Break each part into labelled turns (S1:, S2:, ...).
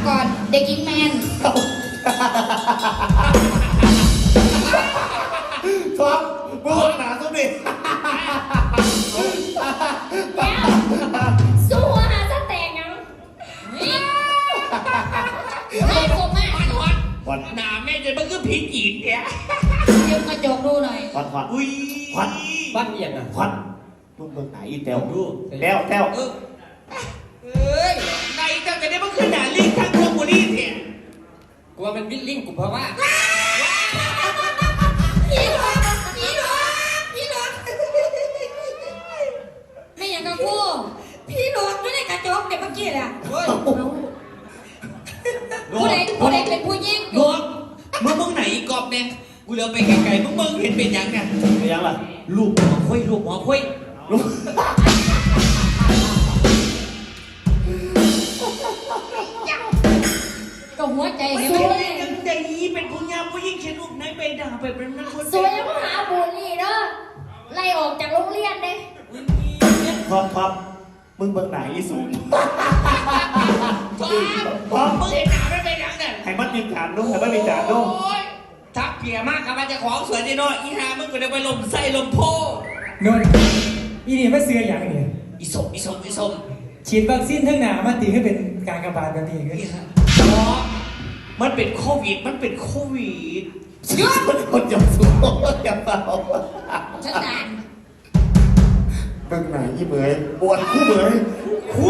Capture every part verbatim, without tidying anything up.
S1: ก่อนเด็กหญิงแมน
S2: ท็อปมึงหนาสุดดิ
S1: สู้หาสแตกยังไม่คมมาก
S3: วันหนาแม่จะมันก็ผิดอีกเนี่ย
S1: ยืมกระจกดูหน่อย
S2: ควันควัน
S3: อุ้ย
S2: ควัน
S3: บ้านอย่างอ่ะ
S2: ควันมึงเบิ่งไหนอีแต้วดูแต้วแต้ว
S3: เอ้ยในเจ้าจะได้มันคือหนาลิงทั้งพวกบุรีเนี่ยกูว่ามันวิ่งลิงกูเพราะว่า
S1: พี่หลอกพี่หลอกพี่หลอกไม่อย่างกับกูพี่หลอกไม่ได้กระจกเดี๋ยวเมื่อกี้แหละผู้ใดผู้ใดเป็นผู้ยิง
S3: หลวงมึงมึงไหนอีกอบเนี่ยกูเลี้ยวไปไกลๆมึงมึงเห็นเป็นยังไง
S2: เป็นยังล่ะ
S3: ลูกหมอคุยลูกหมอคุย
S2: ลูก
S1: ก็หัวใจเห็น
S3: ไหม
S1: ยัง
S3: ใจนี้เป็นผู้ยามผู้ยิ่งเช่นลูกไหนไปด่าไปเป็นนักคน
S1: สวยแล้วก็หาบุญนี่เนาะไล่ออกจากโรงเรียนเลย
S2: ท็อปท็อปมึงเบิ่งไหนอีสูง
S3: พอมึงเห็นหนาไม่เป็นยังไง
S2: ให้มันมีจานด้วยให้มันมีจานด้วย
S3: ทักเพียมากครับมันจะของสวยจีโน่อีหามึงก็ได้ไปลมไส้ลมโพ
S4: นนอีนี่ไม่เสืออย่างนี้
S3: อีสมอีสมอีสม
S4: ฉีดวัคซีนทั้งหนามาตีให้เป็นการกระบาดแบบนี้ก็
S3: เพราะมันเป็นโควิดมันเป็นโควิด
S2: เยอะมันคนจับสูงจับเปล่า
S1: ฉันด่าน
S2: เบิ่งไหนอีเหมยปวดคู่เหมย
S3: คู่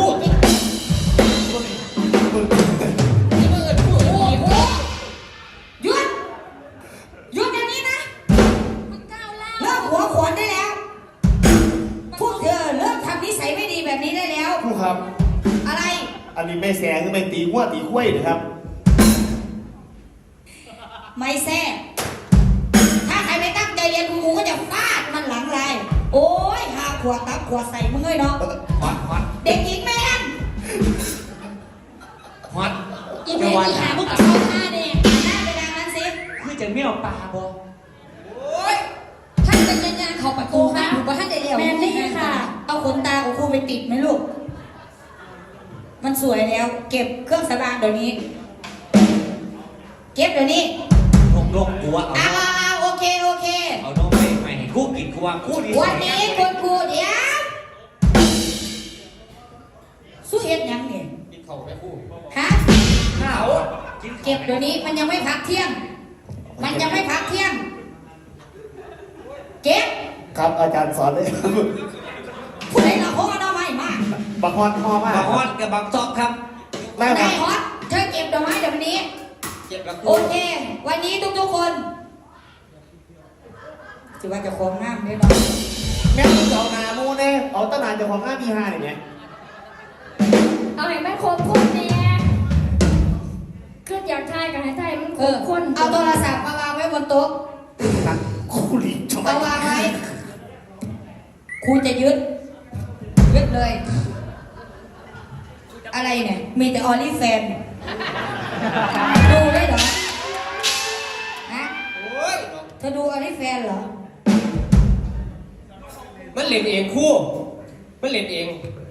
S1: หยุดหยุดอย่างนี้นะมันก้าวเล่าเลิกหัวขวนได้แล้วพวกเธอเลิกทำนิสัยไม่ดีแบบนี้ได้แล้ว
S2: ผู้ครับ
S1: อะไร
S2: อันนี้ไม่แซงคือไม่ตีหัวตีคุ้ยนะครับ
S1: ไม่แซ่ถ้าใครไม่ตั้งใจเรียนครูก็จะฟาดมันหลังเลยโอ้ยหาขวดตับขวดใส่มึงเลยเนาะ
S3: ฮอตฮอต
S1: เด็กหญิงแมน
S3: ฮอต
S1: อีเมย์อีหาพวกเขาท่าเนี่ยหน้าไปทางนั้นสิ
S3: คือจะไม่เอาปลาบ่
S1: โอ้ยท่านเป็นยังไงเขาประตูค่ะถูกป่ะท่านเดียวแมนนี่ค่ะเอาขนตาของครูไปติดไหมลูกมันสวยแล้วเก็บเครื่องสำอางเดี๋ยวนี้เก็บเดี๋ยวนี้
S3: นกนกกูว่าเอา
S1: เอาเอาโอเคโอเค
S3: เอานกไปไปให้คู่กินกูว่าคู่ดี
S1: วันนี้คุณครูเดี๋ยวสู้เอ็ดยังเนี่ย
S3: กินข้าวไปคู่
S1: ฮะ
S3: ข้าว
S1: เก็บเดี๋ยวนี้มันยังไม่พักเที่ยงมันยังไม่พักเที่ยงเก็บ
S2: ครับอาจารย์สอนเลย
S1: ผู้ใดเราโค้งเอาไม้มาก
S2: บักฮอนฮอมาก
S3: บักฮอนกับบักซอกครับ
S1: ได้ฮอตเชิญเก็บดอกไม้เดี๋ยววันนี้โอเควันนี้ทุกๆคนถือว่าจะคงน้ำได้หน่อย
S2: แม่มึงเอานาโมเน่เอาตะนานจะของหน้ามีห้าเนี่ย
S1: เอาให้แม่คนคนเนี่ยขึ้นอยากทายกับให้ทายมันคนคนเอาโทรศัพท์มาวางไว้บนโต๊ะ
S2: คู่ลิจ
S1: เอาวางไว้ครูจะยึดยึดเลยอะไรเนี่ยมีแต่ออลี่แฟนดูได้เหรอฮะเธอดูออลี่แฟนเหรอ
S3: มันเล่นเองคู่มันเล่นเอง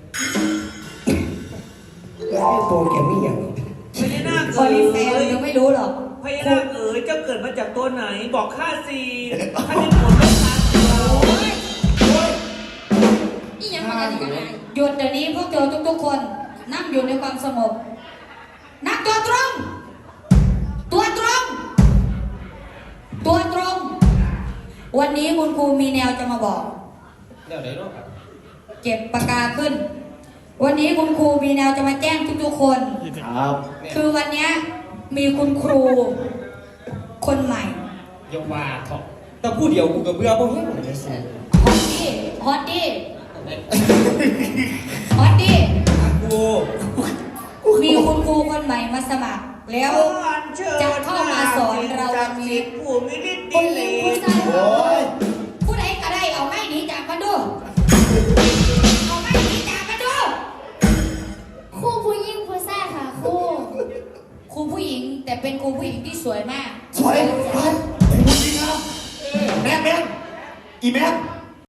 S4: แล้วโปรแกรมไม่อย่าง
S3: พญานาค
S1: ออลี่แฟนยังไม่รู้หรอก
S3: พญานาคเอ๋ยเจ้าเกิดมาจากตัวไหนบอกข้าสิข้าจะผลไม่ทัน
S1: นี่ยังมากันอีกไงหยุดเดี๋ยวนี้พวกเธอทุกๆคนนั่งอยู่ในความสงบนักตัวตรงตัวตรงตัวตรงวันนี้คุณครูมีแนวจะมาบอก
S3: แนวไหนเนาะ
S1: เก็บปากกาขึ้นวันนี้คุณครูมีแนวจะมาแจ้งทุกๆคน
S2: ครับ
S1: คือวันนี้มีคุณครูคนใหม่
S3: อย่าว่าเถอะแต่ผู้เดียวกูกับเบื่อบ่เห็นเลยสิ
S1: ฮอตดี้ฮอตดี้ฮอตดี้กูมีคุณครูคนใหม่มาสมัครแล้วจะเข้ามาสอนเราวันนี้
S3: ผู้มีฤทธิ์
S1: ดีเลยผู้ใดก็ได้เอาไม่หนีจากมันดู